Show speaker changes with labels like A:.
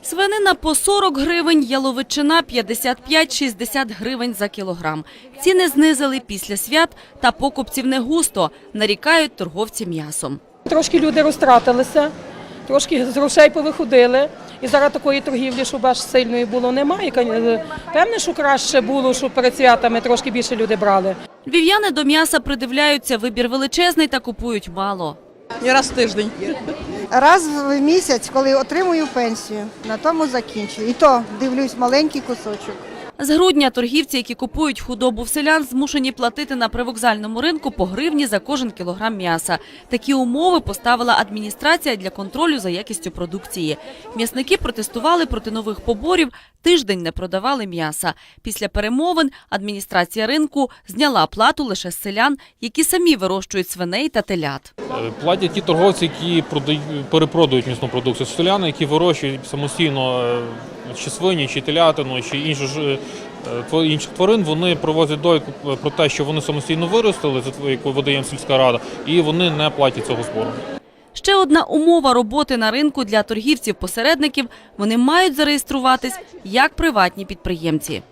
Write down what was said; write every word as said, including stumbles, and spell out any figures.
A: Свинина по сорок гривень, яловичина п'ятдесят п'ять - шістдесят гривень за кілограм. Ціни знизили після свят та покупців не густо, нарікають торговці м'ясом.
B: Трошки люди розтратилися, трошки з грошей повиходили. І зараз такої торгівлі, щоб аж сильної було, немає. Певне, що краще було, щоб перед святами трошки більше люди брали.
A: Львів'яни до м'яса придивляються, вибір величезний та купують мало.
C: І раз в тиждень.
D: Раз в місяць, коли отримую пенсію, на тому закінчую. І то дивлюсь маленький кусочок.
A: З грудня торгівці, які купують худобу в селян, змушені платити на привокзальному ринку по гривні за кожен кілограм м'яса. Такі умови поставила адміністрація для контролю за якістю продукції. М'ясники протестували проти нових поборів, тиждень не продавали м'яса. Після перемовин адміністрація ринку зняла плату лише з селян, які самі вирощують свиней та телят.
E: Платять ті торговці, які перепродають м'ясну продукцію. Селяни, які вирощують самостійно чи свині, чи телятину, чи іншу ж інших тварин, вони проводять довідку про те, що вони самостійно виростили, яку видає їм сільська рада, і вони не платять цього збору.
A: Ще одна умова роботи на ринку для торгівців-посередників – вони мають зареєструватись як приватні підприємці.